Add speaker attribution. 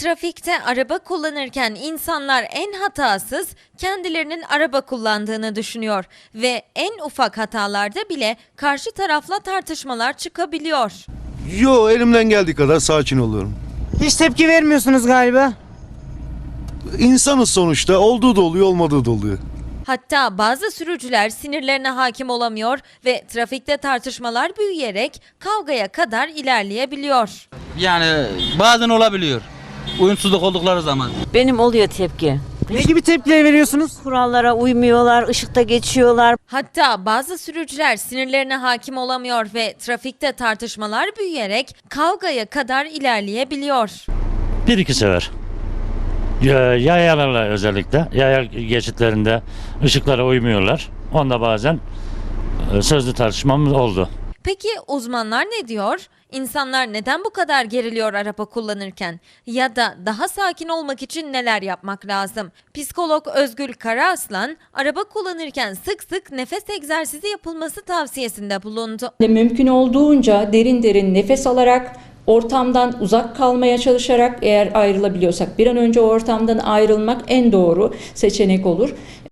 Speaker 1: Trafikte araba kullanırken insanlar en hatasız kendilerinin araba kullandığını düşünüyor ve en ufak hatalarda bile karşı tarafla tartışmalar çıkabiliyor.
Speaker 2: Yo, elimden geldiği kadar sakin oluyorum.
Speaker 3: Hiç tepki vermiyorsunuz galiba.
Speaker 2: İnsanız sonuçta, olduğu da oluyor, olmadığı da oluyor.
Speaker 1: Hatta bazı sürücüler sinirlerine hakim olamıyor ve trafikte tartışmalar büyüyerek kavgaya kadar ilerleyebiliyor.
Speaker 4: Yani bazen olabiliyor. Uyumsuzluk oldukları zaman.
Speaker 5: Benim oluyor tepki.
Speaker 3: Ne gibi tepkiler veriyorsunuz?
Speaker 5: Kurallara uymuyorlar, ışıkta geçiyorlar.
Speaker 1: Hatta bazı sürücüler sinirlerine hakim olamıyor ve trafikte tartışmalar büyüyerek kavgaya kadar ilerleyebiliyor.
Speaker 6: Bir iki sefer. Yayalarla özellikle. Yaya geçitlerinde ışıklara uymuyorlar. Onda bazen sözlü tartışmamız oldu.
Speaker 1: Peki uzmanlar ne diyor? İnsanlar neden bu kadar geriliyor araba kullanırken? Ya da daha sakin olmak için neler yapmak lazım? Psikolog Özgül Karaaslan, araba kullanırken sık sık nefes egzersizi yapılması tavsiyesinde bulundu.
Speaker 7: Mümkün olduğunca derin derin nefes alarak, ortamdan uzak kalmaya çalışarak, eğer ayrılabiliyorsak bir an önce o ortamdan ayrılmak en doğru seçenek olur.